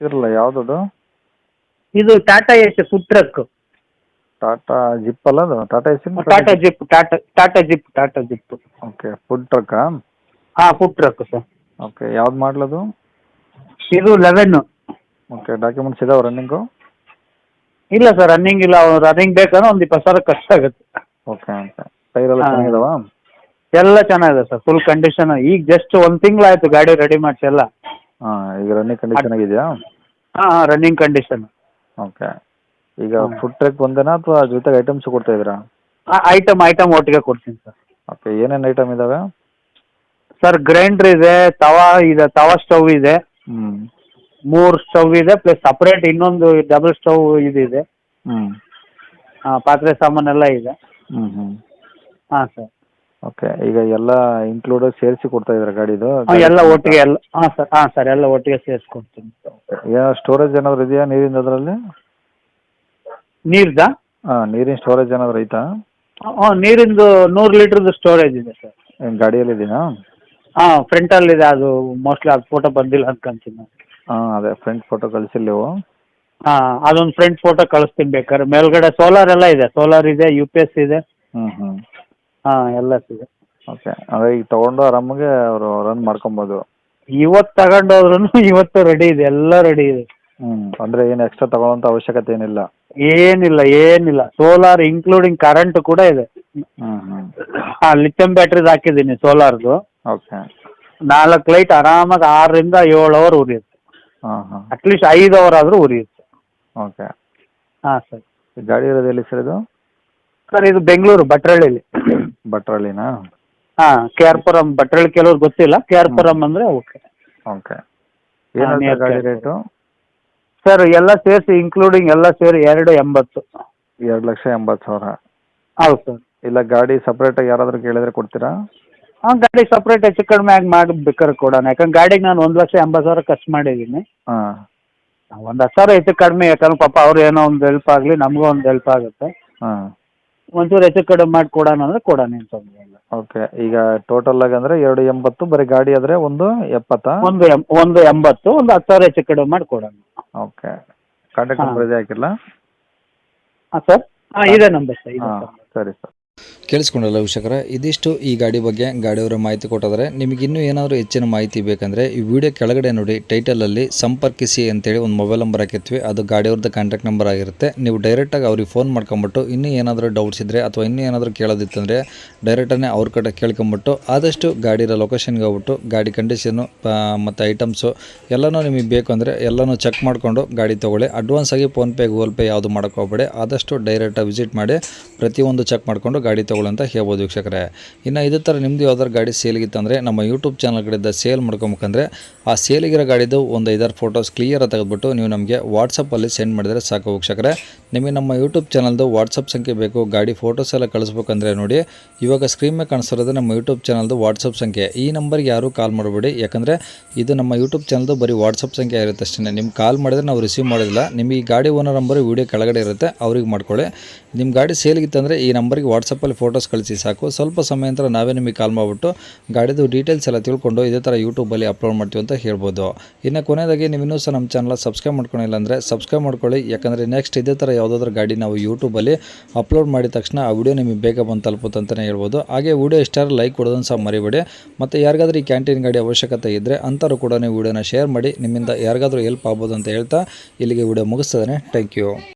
ಇರಲ್ಲ ಯಾವುದದು? ಇದು Tata Ace food truck. Tata Zip ಅಲ್ಲ ಅದು? ಟಾಟಾ ಎಸಿನ Tata Zip, Tata Zip. Okay, food ಟ್ರಕ್ಕಾ? ಹಾಂ, ಫುಡ್ ಟ್ರಕ್ ಸರ್. ಓಕೆ, ಯಾವ್ದು ಮಾಡಲದು? ಇದು 11. ಓಕೆ, ಡಾಕ್ಯುಮೆಂಟ್ಸ್ ಇದಾವೆ ರನ್ನಿಂಗು? ಇಲ್ಲ ಸರ್, ರನ್ನಿಂಗ್ ಇಲ್ಲ. ರನ್ನಿಂಗ್ ಬೇಕಂದ್ರೆ ಒಂದು 20,000 ಕಷ್ಟ ಆಗುತ್ತೆ. ಓಕೆ ಓಕೆ, ಟೈರೆಲ್ಲ ಹಾಂ. ಚೆನ್ನಾಗಿದಾವ? ಎಲ್ಲ ಚೆನ್ನಾಗಿದೆ ಸರ್, ಫುಲ್ ಕಂಡೀಷನ್. ಈಗ ಜಸ್ಟ್ 1 ತಿಂಗಳಾಯ್ತು ಗಾಡಿ ರೆಡಿ ಮಾಡಿಸಿ ಎಲ್ಲ. ಹಾಂ, ಈಗ ರನ್ನಿಂಗ್ ಕಂಡೀಷನ್ ಆಗಿದೆಯಾ? ಹಾಂ, ರನ್ನಿಂಗ್ ಕಂಡೀಷನ್. ಓಕೆ, ಈಗ ಫುಡ್ ಟ್ರಕ್ ಒಂದೇನಾ ಅಥವಾ ಜೊತೆಗೆ ಐಟಮ್ಸ್ ಕೊಡ್ತಾ ಇದ್ದೀರಾ? ಐಟಮ್ ಒಟ್ಟಿಗೆ ಕೊಡ್ತೀನಿ ಸರ್. ಓಕೆ, ಏನೇನು ಐಟಮ್ ಇದಾವೆ? ಸರ್, ಗ್ರೈಂಡರ್ ಇದೆ, ತವಾ ಸ್ಟವ್ ಇದೆ, ಹ್ಞೂ 3 ಸ್ಟವ್ ಇದೆ, ಪ್ಲಸ್ ಸಪ್ರೇಟ್ ಇನ್ನೊಂದು ಡಬಲ್ ಸ್ಟವ್ ಇದೆ. ಹ್ಞೂ ಪಾತ್ರೆ ಸಾಮಾನೆಲ್ಲ ಇದೆ. ಹ್ಞೂ ಹಾಂ ಸರ್. ಓಕೆ, ಈಗ ಎಲ್ಲ ಇನ್ಕ್ಲೂಡೆಡ್ ಸೇರಿಸಿ ಕೊಡ್ತಾ ಇದ್ದೀರಾ ಗಾಡಿದು? ಎಲ್ಲ ಒಟ್ಟಿಗೆ ಎಲ್ಲ. ಹಾಂ ಸರ್, ಎಲ್ಲ ಒಟ್ಟಿಗೆ ಸೇರಿಸ್ಕೊಡ್ತೀನಿ. ಏನೋ ಸ್ಟೋರೇಜ್ ಏನಾದರೂ ಇದೆಯಾ ನೀರಿಂದ ಅದರಲ್ಲಿ? ನೀರ್ದಾ? ಹಾಂ, ನೀರಿನ ಸ್ಟೋರೇಜ್ ಏನಾದರೂ ಐತಾ? ನೀರಿಂದು 100 ಲೀಟ್ರದ್ದು ಸ್ಟೋರೇಜ್ ಇದೆ ಸರ್. ಏನು ಗಾಡಿಯಲ್ಲಿ ಇದೆಯಾ? ಹಾಂ, ಫ್ರಂಟಲ್ಲಿದೆ. ಅದು ಮೋಸ್ಟ್ಲಿ ಅದು ಫೋಟೋ ಬಂದಿಲ್ಲ ಅನ್ಕೊಂತೀನಿ ನಾನು. ಹಾಂ, ಅದೇ ಫ್ರಂಟ್ ಫೋಟೋ ಕಳಿಸಿಲ್ಲ ನೀವು? ಹಾಂ, ಅದೊಂದು ಫ್ರಂಟ್ ಫೋಟೋ ಕಳಿಸ್ತೀನಿ ಬೇಕಾದ್ರೆ. ಮೇಲ್ಗಡೆ ಸೋಲಾರ್ ಎಲ್ಲ ಇದೆ, ಸೋಲಾರ್ ಇದೆ, UPS ಇದೆ. ಹ್ಞೂ ಹಾಂ, ಎಲ್ಲ ಇದೆ. ಓಕೆ, ಅದೇ ಈಗ ತೊಗೊಂಡು ಆರಾಮಾಗೆ ಅವರು ರನ್ ಮಾಡ್ಕೊಬೋದು? ಇವತ್ತು ತಗೊಂಡೋದ್ರೂ ಇವತ್ತು ರೆಡಿ ಇದೆ, ಎಲ್ಲ ರೆಡಿ ಇದೆ. ಅಂದರೆ ಏನು ಎಕ್ಸ್ಟ್ರಾ ತಗೊಳ್ಳೋಂಥ ಅವಶ್ಯಕತೆ ಏನಿಲ್ಲ? ಏನಿಲ್ಲ. ಸೋಲಾರ್ ಇನ್ಕ್ಲೂಡಿಂಗ್ ಕರೆಂಟ್ ಕೂಡ ಇದೆ. ಹ್ಞೂ ಹಾಂ, ಲಿಥಿಯಂ ಬ್ಯಾಟ್ರಿದು ಹಾಕಿದ್ದೀನಿ ಸೋಲಾರ್ದು. ಓಕೆ. 4 ಲೈಟ್ ಆರಾಮಾಗಿ 6ರಿಂದ 7 ಅವರ್ ಉರಿಯುತ್ತೆ. ಹಾಂ ಅಟ್ಲೀಸ್ಟ್ 5 ಅವರ್ ಆದರೂ ಉರಿಯುತ್ತೆ. ಓಕೆ. ಹಾಂ ಸರ್. ಗಾಡಿ ಇರೋದು ಎಲ್ಲಿ ಸರ್ ಇದು? ಸರ್, ಇದು ಬೆಂಗಳೂರು ಭಟ್ರಳ್ಳಿಲಿ. ಭಟ್ರಳ್ಳಿನಾ? ಹಾಂ, KR ಪುರಂ. ಭಟ್ರಳ್ಳಿ ಕೆಲವ್ರು ಗೊತ್ತಿಲ್ಲ, KR ಪುರಂ ಅಂದರೆ ಓಕೆ. ಓಕೆ, ಏನು ಗಾಡಿ ರೇಟು? ಸರ್, ಎಲ್ಲ ಸೇರಿಸಿ ಇನ್ಕ್ಲೂಡಿಂಗ್ ಎಲ್ಲ ಸೇರಿ 280. 2,80,000? ಹೌದು ಸರ್. ಇಲ್ಲ ಗಾಡಿ ಸಪ್ರೇಟಾಗಿ ಯಾರಾದರೂ ಕೇಳಿದ್ರೆ ಕೊಡ್ತೀರಾ? ಹಾಂ, ಗಾಡಿ ಸಪ್ರೇಟ್ ಹೆಚ್ಚು ಕಡಿಮೆ ಆಗಿ ಮಾಡಿ ಬೇಕಾದ್ರೆ ಕೊಡೋಣ. ಯಾಕಂದ್ರೆ ಗಾಡಿಗೆ ನಾನು 1,80,000 ಖರ್ಚು ಮಾಡಿದ್ದೀನಿ. ಹಾಂ, ಒಂದು 10,000 ಹೆಚ್ಚು ಕಡಿಮೆ, ಯಾಕಂದ್ರೆ ಪಾಪ ಅವ್ರು ಏನೋ ಒಂದು ಹೆಲ್ಪ್ ಆಗಲಿ, ನಮಗೂ ಒಂದು ಹೆಲ್ಪ್ ಆಗುತ್ತೆ. ಹಾಂ, ಒಂಚೂರು ಹೆಚ್ಚು ಕಡಿಮೆ ಮಾಡಿ ಕೊಡೋಣ ಅಂದರೆ ಕೊಡೋಣ, ಏನು ತೊಂದರೆ ಇಲ್ಲ. ಓಕೆ. ಈಗ ಟೋಟಲ್ ಆಗಿ ಅಂದರೆ 280, ಬರೀ ಗಾಡಿ ಆದರೆ 170? 180, ಒಂದು 10,000 ಹೆಚ್ಚು ಕಡಿಮೆ ಮಾಡಿ ಕೊಡೋಣ. ಓಕೆ, ಕಾಂಟ್ಯಾಕ್ಟ್ ನಂಬರ್ ಇದೆ ಹಾಕಿಲ್ಲ? ಹಾಂ ಸರ್. ಹಾಂ, ಇದೇ ನಂಬರ್ ಸರ್, ಇದೆ ಹಾಂ, ಸರ್. ಸರಿ ಸರ್. ಕೇಳಿಸ್ಕೊಂಡಲ್ಲ ವೀಕ್ಷಕರೇ, ಇದಿಷ್ಟು ಈ ಗಾಡಿ ಬಗ್ಗೆ ಗಾಡಿಯವರ ಮಾಹಿತಿ ಕೊಟ್ಟಿದ್ದಾರೆ. ನಿಮಗೆ ಇನ್ನೂ ಏನಾದರೂ ಹೆಚ್ಚಿನ ಮಾಹಿತಿ ಬೇಕಂದರೆ ಈ ವಿಡಿಯೋ ಕೆಳಗಡೆ ನೋಡಿ, ಟೈಟಲಲ್ಲಿ ಸಂಪರ್ಕಿಸಿ ಅಂತೇಳಿ ಒಂದು ಮೊಬೈಲ್ ನಂಬರ್ ಹಾಕಿರ್ತೀವಿ. ಅದು ಗಾಡಿಯವ್ರದ್ದು ಕಾಂಟ್ಯಾಕ್ಟ್ ನಂಬರ್ ಆಗಿರುತ್ತೆ. ನೀವು ಡೈರೆಕ್ಟಾಗಿ ಅವ್ರಿಗೆ ಫೋನ್ ಮಾಡ್ಕೊಂಬಿಟ್ಟು ಇನ್ನೂ ಏನಾದರೂ ಡೌಟ್ಸ್ ಇದ್ದರೆ ಅಥವಾ ಇನ್ನೂ ಏನಾದರೂ ಕೇಳೋದಿತ್ತಂದರೆ ಡೈರೆಕ್ಟಾಗಿ ಅವ್ರ ಕಡೆ ಕೇಳ್ಕೊಂಬಿಟ್ಟು ಆದಷ್ಟು ಗಾಡಿರೋ ಲೊಕೇಶನ್ಗೆ ಹೋಗ್ಬಿಟ್ಟು ಗಾಡಿ ಕಂಡೀಷನು ಮತ್ತು ಐಟಮ್ಸು ಎಲ್ಲನೂ ನಿಮಗೆ ಬೇಕು ಅಂದರೆ ಎಲ್ಲನೂ ಚೆಕ್ ಮಾಡಿಕೊಂಡು ಗಾಡಿ ತೊಗೊಳ್ಳಿ. ಅಡ್ವಾನ್ಸಾಗಿ ಫೋನ್ಪೇ ಗೂಗಲ್ ಪೇ ಯಾವುದು ಮಾಡೋಕ್ಕೆ ಹೋಗಬೇಡಿ. ಆದಷ್ಟು ಡೈರೆಕ್ಟಾಗಿ ವಿಸಿಟ್ ಮಾಡಿ ಪ್ರತಿಯೊಂದು ಚೆಕ್ ಮಾಡಿಕೊಂಡು ಗಾಡಿ ತೊಗೊಳ್ಳಿ ಅಂತ ಹೇಳ್ಬೋದು ವೀಕ್ಷಕರೇ. ಇನ್ನು ಇದೇ ಥರ ನಿಮ್ಮದು ಯಾವ್ದಾರು ಗಾಡಿ ಸೇಲಿಗಿತ್ತಂದರೆ ನಮ್ಮ ಯೂಟ್ಯೂಬ್ ಚಾನಲ್ ಕಡೆಯಿಂದ ಸೇಲ್ ಮಾಡ್ಕೊಬೇಕಂದ್ರೆ ಆ ಸೇಲಿಗಿರೋ ಗಾಡಿದು ಒಂದು 5-6 ಫೋಟೋಸ್ ಕ್ಲಿಯರಾಗಿ ತೆಗೆದುಬಿಟ್ಟು ನೀವು ನಮಗೆ ವಾಟ್ಸಪ್ಪಲ್ಲಿ ಸೆಂಡ್ ಮಾಡಿದರೆ ಸಾಕು ವೀಕ್ಷಕರೇ. ನಿಮಗೆ ನಮ್ಮ ಯೂಟ್ಯೂಬ್ ಚಾನಲ್ದು ವಾಟ್ಸಪ್ ಸಂಖ್ಯೆ ಬೇಕು, ಗಾಡಿ ಫೋಟೋಸ್ ಎಲ್ಲ ಕಳಿಸ್ಬೇಕಂದ್ರೆ ನೋಡಿ, ಇವಾಗ ಸ್ಕ್ರೀನ್ ಮೇಲೆ ಕಾಣಿಸ್ತಿರೋದು ನಮ್ಮ ಯೂಟ್ಯೂಬ್ ಚಾನಲ್ದು ವಾಟ್ಸಪ್ ಸಂಖ್ಯೆ. ಈ ನಂಬರ್ಗೆ ಯಾರೂ ಕಾಲ್ ಮಾಡಬೇಡಿ, ಯಾಕಂದರೆ ಇದು ನಮ್ಮ ಯೂಟ್ಯೂಬ್ ಚಾನಲ್ದು ಬರೀ ವಾಟ್ಸಪ್ ಸಂಖ್ಯೆ ಇರುತ್ತೆ ಅಷ್ಟೇ. ನಿಮ್ಗೆ ಕಾಲ್ ಮಾಡಿದ್ರೆ ನಾವು ರಿಸೀವ್ ಮಾಡೋದಿಲ್ಲ. ನಿಮಗೆ ಈ ಗಾಡಿ ಓನರ್ ನಂಬರ್ ವೀಡಿಯೋ ಕೆಳಗಡೆ ಇರುತ್ತೆ, ಅವ್ರಿಗೆ ಮಾಡ್ಕೊಳ್ಳಿ. ನಿಮ್ಮ ಗಾಡಿ ಸೇಲಿಗಿತ್ತಂದರೆ ಈ ನಂಬರ್ಗೆ ವಾಟ್ಸಪ್ಪಲ್ಲಿ ಫೋಟೋಸ್ ಕಳಿಸಿ ಸಾಕು. ಸ್ವಲ್ಪ ಸಮಯ ನಂತರ ನಾವೇ ನಿಮಗೆ ಕಾಲ್ ಮಾಡಿಬಿಟ್ಟು ಗಾಡಿದು ಡೀಟೇಲ್ಸ್ ಎಲ್ಲ ತಿಳ್ಕೊಂಡು ಇದೇ ಥರ ಯೂಟ್ಯೂಬಲ್ಲಿ ಅಪ್ಲೋಡ್ ಮಾಡ್ತೀವಿ ಅಂತ ಹೇಳ್ಬೋದು. ಇನ್ನು ಕೊನೆಯದಾಗಿ ನೀವು ಇನ್ನೂ ಸಹ ನಮ್ಮ ಚಾನಲ್ ಸಬ್ಸ್ಕ್ರೈಬ್ ಮಾಡ್ಕೊಂಡಿಲ್ಲ ಅಂದರೆ ಸಬ್ಸ್ಕ್ರೈಬ್ ಮಾಡ್ಕೊಳ್ಳಿ. ಯಾಕಂದರೆ ನೆಕ್ಸ್ಟ್ ಇದೇ ಥರ ಯಾವುದಾದ್ರೂ ಗಾಡಿ ನಾವು ಯೂಟ್ಯೂಬಲ್ಲಿ ಅಪ್ಲೋಡ್ ಮಾಡಿದ ತಕ್ಷಣ ಆ ವಿಡಿಯೋ ನಿಮಗೆ ಬೇಗ ಬಂದು ತಲುಪುತ್ತೆ ಅಂತಲೇ ಹೇಳ್ಬೋದು. ಹಾಗೆ ವಿಡಿಯೋ ಇಷ್ಟ ಲೈಕ್ ಕೊಡೋದನ್ನು ಸಹ ಮರಿಬೇಡಿ. ಮತ್ತು ಯಾರಿಗಾದ್ರೂ ಈ ಕ್ಯಾಂಟೀನ್ ಗಾಡಿ ಅವಶ್ಯಕತೆ ಇದ್ದರೆ ಅಂಥವ್ರು ಕೂಡ ನೀವು ವಿಡಿಯೋನ ಶೇರ್ ಮಾಡಿ, ನಿಮ್ಮಿಂದ ಯಾರಿಗಾದ್ರೂ ಹೆಲ್ಪ್ ಆಗ್ಬೋದು ಅಂತ ಹೇಳ್ತಾ ಇಲ್ಲಿಗೆ ವಿಡಿಯೋ ಮುಗಿಸ್ತದೆ. Thank you.